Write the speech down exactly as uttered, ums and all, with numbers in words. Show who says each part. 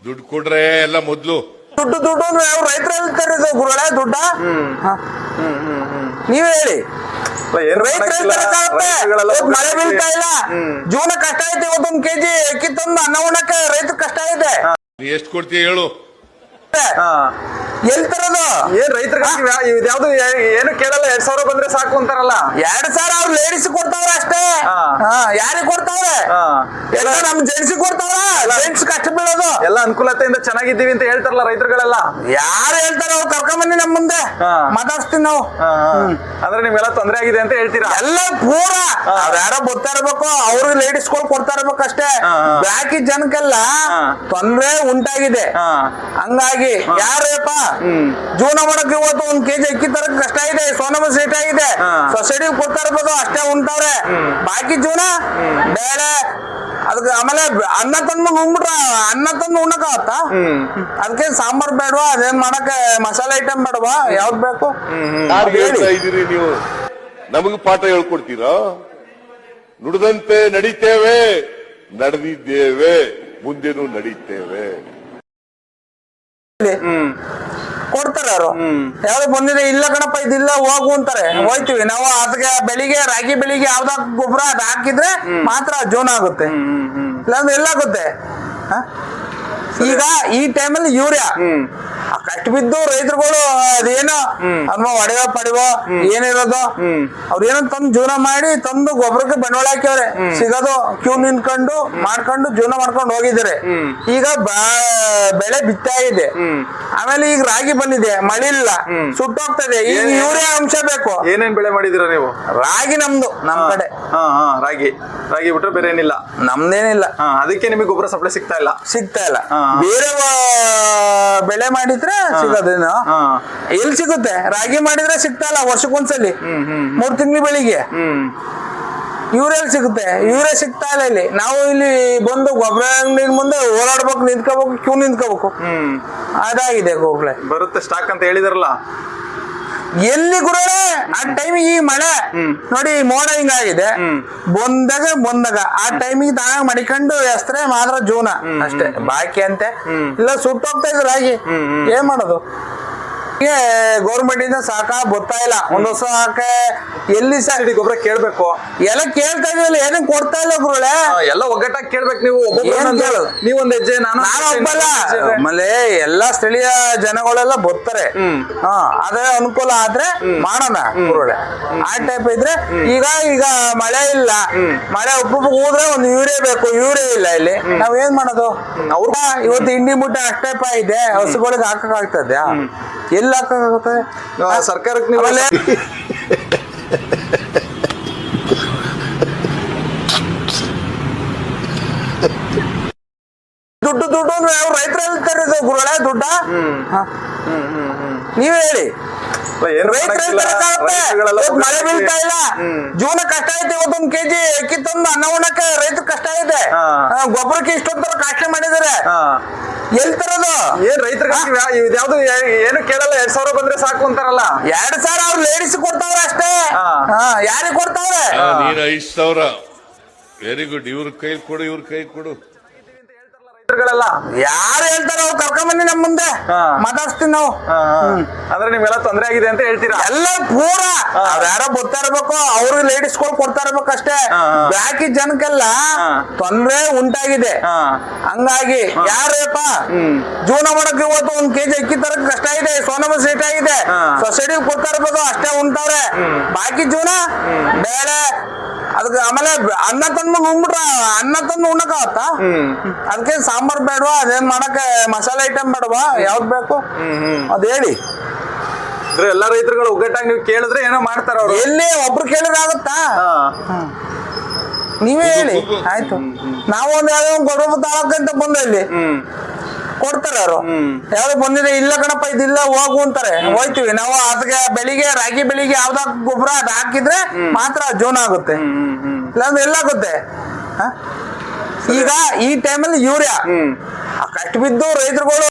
Speaker 1: ದುಡ್ಡು ಕೊಡ್ರೆ ಎಲ್ಲ ಮೊದ್ಲು
Speaker 2: ದುಡ್ಡು ದುಡ್ಡು ಅಂದ್ರೆ ಅವ್ರು ರೈತರು ಹೇಳ್ತಾರೆ ಗುರುಗಳೇ ದುಡ್ಡ ನೀವೇ ಹೇಳಿ. ಮಳೆ ಬೀಳ್ತಾ ಇಲ್ಲ, ಜೀವನ ಕಷ್ಟ ಐತೆ. ಇವತ್ತೊಂದು ಕೆಜಿ ಅಕ್ಕಿ ತಂದು ಅನ್ನ ಉಣ್ಣಕ್ಕೆ ರೈತರ ಕಷ್ಟ ಐತೆ.
Speaker 1: ನೀ ಎಷ್ಟು ಕೊಡ್ತೀಯ ಹೇಳು?
Speaker 2: ಎಲ್ ತರೋದು?
Speaker 3: ಏನ್ ರೈತರಿಗೆ ಯಾವ್ದು ಏನು ಕೇಳಲ್ಲ, ಎರಡ್ ಸಾವಿರ ಬಂದ್ರೆ ಸಾಕು ಅಂತಾರಲ್ಲ.
Speaker 2: ಎರಡ್ ಸಾವಿರ ಅವ್ರು ಲೇಡೀಸ್ ಕೊಡ್ತಾವ್ರ ಅಷ್ಟೇ. ಯಾರಿಗೆ ಕೊಡ್ತಾವ್ರೆ? ಎಲ್ಲ ನಮ್ ಜೆಂಟ್ಸ್ ಕೊಡ್ತಾವ್ರ. ಜೆಂಟ್ಸ್ ಕಷ್ಟ ಬೀಳೋದು
Speaker 3: ಎಲ್ಲ ಅನುಕೂಲತೆಯಿಂದ ಚೆನ್ನಾಗಿದ್ದೀವಿ ಅಂತ ಹೇಳ್ತಾರಲ್ಲ ರೈತರುಗಳೆಲ್ಲ.
Speaker 2: ಯಾರು ಹೇಳ್ತಾರ? ಅವ್ರು ಕರ್ಕೊಂಬನ್ನಿ ನಮ್ ಮುಂದೆ ಮಾತಾಡ್ಸ್ತೀವಿ ನಾವು.
Speaker 3: ಅಂದ್ರೆ ನಿಮ್ಗೆಲ್ಲ ತೊಂದರೆ ಆಗಿದೆ ಅಂತ ಹೇಳ್ತೀರಾ?
Speaker 2: ಎಲ್ಲ ಪೂರ ಅವ್ರ ಯಾರೋ ಬರ್ತಾ ಇರ್ಬೇಕು, ಅವ್ರು ಲೇಡೀಸ್ ಗಳು ಕೊಡ್ತಾ ಇರ್ಬೇಕು ಅಷ್ಟೇ. ಬಾಕಿ ಜನಕ್ಕೆಲ್ಲ ತೊಂದ್ರೆ ಉಂಟಾಗಿದೆ. ಹಂಗಾಗಿ ಯಾರಪ್ಪ ಜೀವನ ಮಾಡಕ್ ಇವತ್ತು ಒಂದ್ ಕೆಜಿ ಅಕ್ಕಿ ತರಕ್ ಕಷ್ಟ ಇದೆ. ಸೋನಮ ಸೇಟ್ ಆಗಿದೆ, ಸೊಸೈಟಿ ಕೊಡ್ತಾ ಇರ್ಬೋದು ಅಷ್ಟೇ ಉಂಟವ್ರೆ. ಬಾಕಿ ಜೀವನ ಬೇಳೆ ಅದಕ್ಕೆ ಆಮೇಲೆ ಅನ್ನ ತಂದು ಉಣ್ಬಿಟ್ರ ಅನ್ನ ತಂದು ಉಣ್ಣಕ ಆವತ್ತ. ಅದಕ್ಕೆ ಸಾಂಬಾರ್ ಬೇಡವಾ? ಅದೇನ್ ಮಾಡಕ್ ಮಸಾಲೆ ಐಟಮ್ ಬೇಡವಾ? ಯಾವ್ದು ಬೇಕು?
Speaker 1: ಇದೀರಿ ನೀವು ನಮಗ್ ಪಾಠ ಹೇಳ್ಕೊಡ್ತೀರಾ? ನುಡಿದಂತೆ ನಡೀತೇವೆ, ನಡೆದಿದ್ದೇವೆ, ಮುಂದೆನೂ ನಡೀತೇವೆ.
Speaker 2: ಕೊಡ್ತಾರೆ ಅವರು. ಯಾವ್ದು ಬಂದಿದೆ ಇಲ್ಲ ಕಣಪ್ಪ ಇದಿಲ್ಲ ಹೋಗು ಅಂತಾರೆ, ಹೋಯ್ತಿವಿ ನಾವು. ಅದಕ್ಕೆ ಬೆಳಿಗ್ಗೆ ರಾಗಿ ಬೆಳಿಗ್ಗೆ ಯಾವ್ದಾಗ ಗೊಬ್ಬರ ಅದ್ ಹಾಕಿದ್ರೆ ಮಾತ್ರ ಜೋನ್ ಆಗುತ್ತೆ, ಇಲ್ಲಾಂದ್ರೆ ಎಲ್ಲ ಆಗುತ್ತೆ. ಈಗ ಈ ಟೈಮಲ್ಲಿ ಯೂರಿಯಾ ಕಷ್ಟ ಬಿದ್ದು ರೈತರುಗಳು ಅದೇನೋ ಅಮ್ಮ ಒಡೆವ ಪಡೆವ ಏನಿರೋದು ಅವ್ರ ಏನೋ ತಂದು ಜೀವನ ಮಾಡಿ ತಂದು ಗೊಬ್ಬರಕ್ಕೆ ಬಂಡವಾಳ ಹಾಕ್ಯವ್ರೆ. ಸಿಗೋದು ಕ್ಯೂ ನಿಂತ್ಕೊಂಡು ಮಾಡ್ಕೊಂಡು ಜೀವನ ಮಾಡ್ಕೊಂಡು ಹೋಗಿದ್ದಾರೆ. ಈಗ ಬೆಳೆ ಬಿತ್ತಾ ಇದೆ, ಆಮೇಲೆ ಈಗ ರಾಗಿ ಬಂದಿದೆ, ಮಳೆ ಇಲ್ಲ, ಸುಟ್ಟೋಗ್ತದೆ. ಈಗ ಯೂರಿಯಾ ಅಂಶ ಬೇಕು.
Speaker 3: ಏನೇನ್ ಬೆಳೆ ಮಾಡಿದಿರ ನೀವು?
Speaker 2: ರಾಗಿ ನಮ್ದು, ನಮ್ ಕಡೆ
Speaker 3: ರಾಗಿ ರಾಗಿ ಬಿಟ್ರೆ ಬೇರೆ ಏನಿಲ್ಲ,
Speaker 2: ನಮ್ದೇನಿಲ್ಲ.
Speaker 3: ಅದಕ್ಕೆ ನಿಮಗೆ ಗೊಬ್ಬರ ಸಪ್ಲೈ ಸಿಗ್ತಾ ಇಲ್ಲ
Speaker 2: ಸಿಗ್ತಾ ಇಲ್ಲ. ಬೇರೆ ಬೆಳೆ ಮಾಡಿದ್ರೆ ಸಿಗೋದೇನು? ಎಲ್ಲಿ ಸಿಗುತ್ತೆ? ರಾಗಿ ಮಾಡಿದ್ರೆ ಸಿಗ್ತಾ ಇಲ್ಲ. ವರ್ಷಕ್ಕೊಂದ್ಸಲಿ ಮೂರ್ ತಿಂಗಳ ಬೆಳಿಗ್ಗೆ ಯೂರಿಯಾ ಸಿಗುತ್ತೆ, ಯೂರಿಯಾ ಸಿಗ್ತಾ ಇಲ್ಲ ಇಲ್ಲಿ. ನಾವು ಇಲ್ಲಿ ಬಂದು ಗೊಬ್ಬರ ಅಂಗಡಿ ಮುಂದೆ ಓಡಾಡ್ಬೇಕು, ನಿಂತ್ಕೋಬೇಕು, ಕ್ಯೂ ನಿಂತ್ಕೋಬೇಕು. ಅದಾಗಿದೆ ಗೋಗ್ಲೆ.
Speaker 3: ಬರುತ್ತೆ ಸ್ಟಾಕ್ ಅಂತ ಹೇಳಿದಾರಲ್ಲ,
Speaker 2: ಎಲ್ಲಿ ಗುರುಗಳೇ ಆ ಟೈಮಿಗೆ ಈ ಮಳೆ ನೋಡಿ ಮೋಡ ಹಿಂಗಾಗಿದೆ, ಬಂದಾಗ ಬಂದಾಗ ಆ ಟೈಮಿಗೆ ತಾನ ಮಡಿಕೊಂಡು ಎಸ್ತ್ರೆ ಮಾತ್ರ ಜೂನ ಅಷ್ಟೇ. ಬಾಕಿ ಅಂತೆ ಇಲ್ಲ ಸುಟ್ಟೋಗ್ತಾ ಇದ್ರು ರಾಗಿ. ಏನ್ ಮಾಡೋದು? ಗೌರ್ಮೆಂಟ್ ಇಂದ ಸಾಕ ಗೊತ್ತಾ ಇಲ್ಲ. ಒಂದ್ ವರ್ಷ ಸಾಕೆ ಎಲ್ಲಿ
Speaker 3: ಸಬ್ಸಿಡಿ ಗೊಬ್ಬರ ಕೇಳ್ಬೇಕು,
Speaker 2: ಎಲ್ಲ ಕೇಳ್ತಾ ಇದೀವಲ್ಲ, ಏನಕ್ಕೆ ಕೊಡ್ತಾ ಇಲ್ಲ ಗುರುಗಳೇ?
Speaker 3: ಎಲ್ಲ ಒಗ್ಗಟ್ಟಾಗಿ ಕೇಳ್ಬೇಕು ನೀವು. ನೀವೊಂದ್ ಹೆಜ್ಜೆ, ನಾನು
Speaker 2: ನಾನು ಒಬ್ಬಲ್ಲ. ಆಮೇಲೆ ಎಲ್ಲಾ ಸ್ಥಳೀಯ ಜನಗಳೆಲ್ಲ ಬರ್ತಾರೆ. ಹಾ ಅದೇ ಅನುಕೂಲ ಆದ್ರೆ ಮಾಡೋಣ ಗುರುಗಳೇ. ಆ ಟೈಪ್ ಇದ್ರೆ ಈಗ ಈಗ ಮಳೆ ಇಲ್ಲ, ಮಳೆ ಉಪ್ಪು ಹೋದ್ರೆ ಒಂದು ಯೂರಿಯಾ ಬೇಕು, ಯೂರಿಯಾ ಇಲ್ಲ ಇಲ್ಲಿ. ನಾವ್ ಏನ್ ಮಾಡೋದು? ಅವ್ರ ಇವತ್ತು ಇಂಡಿ ಮುಟ್ಟ ಅಷ್ಟೇಪ ಇದೆ, ಹಸುಗಳಿಗೆ ಹಾಕಕ್ ಆಗ್ತದೆ? ಎಲ್ಲಿ ಹಾಕಕ್ಕಾಗುತ್ತೆ?
Speaker 3: ಸರ್ಕಾರಕ್ಕೆ
Speaker 2: ದುಡ್ಡು ದುಡ್ಡು ಅಂದ್ರೆ ಅವ್ರು ರೈತರು ಹೇಳ್ತಾರೆ ಗುರುಗಳೇ ದುಡ್ಡ. ನೀವೇ ಹೇಳಿ. ಮಳೆ ಬೀಳ್ತಾ ಇಲ್ಲ, ಜೀವನ ಕಷ್ಟ ಐತೆ. ಇವತ್ತೊಂದ್ ಕೆಜಿ ಅಕ್ಕಿ ತಂದು ಅನ್ನ ಉಣ್ಣಕ್ಕೆ ರೈತರ ಕಷ್ಟ ಐತೆ. ಗೊಬ್ಬರಕ್ಕೆ ಇಷ್ಟೊಂದು ಕಾಸ್ಟ್ ಮಾಡಿದಾರೆ. ಎಲ್ ತರೋದು?
Speaker 3: ಏನ್ ರೈತರಿಗೆ ಯಾವ್ದು ಏನು ಕೇಳಲ್ಲ, ಎರಡ್ ಸಾವಿರ ಬಂದ್ರೆ ಸಾಕು ಅಂತಾರಲ್ಲ.
Speaker 2: ಎರಡ್ ಸಾವಿರ ಅವ್ರು ಲೇಡೀಸ್ ಕೊಡ್ತಾವ್ರ ಅಷ್ಟೇ. ಯಾರಿಗೆ ಕೊಡ್ತಾವ್ರೆ?
Speaker 1: ನೀನ್ ಐದ್ ಸಾವಿರ. Very good. ಇವ್ರ ಕೈ ಕೊಡು, ಇವ್ರ ಕೈ ಕೊಡು.
Speaker 2: ಯಾರು ಹೇಳ್ತಾರ? ಅವ್ರು ಕರ್ಕೊಂಬನ್ನಿ ನಮ್ ಮುಂದೆ ಮಾತಾಡ್ಸ್ತೀವಿ ನಾವು.
Speaker 3: ಅಂದ್ರೆ ನಿಮ್ಗೆಲ್ಲ ತೊಂದರೆ ಆಗಿದೆ ಅಂತ ಹೇಳ್ತೀರಾ?
Speaker 2: ಎಲ್ಲ ಪೂರ ಅವ್ರ ಯಾರೋ ಬರ್ತಾ ಇರ್ಬೇಕು, ಅವ್ರು ಲೇಡೀಸ್ ಗಳು ಕೊಡ್ತಾ ಇರ್ಬೇಕು ಅಷ್ಟೇ. ಬಾಕಿ ಜನಕ್ಕೆಲ್ಲ ತೊಂದ್ರೆ ಉಂಟಾಗಿದೆ. ಹಂಗಾಗಿ ಯಾರಪ್ಪ ಜೀವನ ಮಾಡಕ್ ಇವತ್ತು ಒಂದ್ ಕೆಜಿ ಅಕ್ಕಿ ತರಕ್ ಕಷ್ಟ ಇದೆ. ಸೋನಮ ಸೇಟ್ ಆಗಿದೆ, ಸೊಸೈಟಿ ಕೊಡ್ತಾ ಇರ್ಬೋದು ಅಷ್ಟೇ ಉಂಟವ್ರೆ. ಬಾಕಿ ಜೀವನ ಬೇಳೆ ಅದಕ್ಕೆ ಆಮೇಲೆ ಅನ್ನ ತಂದು ಉಣ್ಬಿಟ್ರ ಅನ್ನ ತಂದು ಉಣ್ಣಕ ಆವತ್ತ. ಅದಕ್ಕೆ ಸಾಂಬಾರ್ ಬೇಡವಾ? ಅದೇನ್ ಮಾಡಕ್ ಮಸಾಲೆ ಐಟಮ್ ಬೇಡವಾ? ಯಾವ್ದು ಬೇಕು ಅದ್ ಹೇಳಿ.
Speaker 3: ಎಲ್ಲಾ ರೈತರುಗಳು ಒಗ್ಗಟ್ಟಾಗಿ ನೀವು ಕೇಳಿದ್ರೆ ಏನೋ ಮಾಡ್ತಾರ ಅವ್ರು.
Speaker 2: ಎಲ್ಲಿ ಒಬ್ರು ಕೇಳಿದ್ರೆ ಆಗುತ್ತಾ? ನೀವೇ ಹೇಳಿ. ಆಯ್ತು, ನಾವು ಒಂದ್ ಯಾವ್ದೋ ಒಂದು ಗೊಬ್ಬರ ತಾಳಕ್ಕಂತ ಬಂದ ಇಲ್ಲಿ ಕೊಡ್ತಾರೆ ಅವರು. ಯಾವ್ದು ಬಂದಿದೆ ಇಲ್ಲ ಕಣಪ್ಪ ಇದಿಲ್ಲ ಹೋಗು ಅಂತಾರೆ, ಹೋಯ್ತಿವಿ ನಾವು. ಅದಕ್ಕೆ ಬೆಳಿಗ್ಗೆ ರಾಗಿ ಬೆಳಿಗ್ಗೆ ಯಾವ್ದಾಗ ಗೊಬ್ಬರ ಅದ್ ಹಾಕಿದ್ರೆ ಮಾತ್ರ ಜೋನ್ ಆಗುತ್ತೆ, ಇಲ್ಲಾಂದ್ರೆ ಎಲ್ಲ ಆಗುತ್ತೆ. ಈಗ ಈ ಟೈಮಲ್ಲಿ ಯೂರಿಯಾ ಕಷ್ಟ ಬಿದ್ದು ರೈತರುಗಳು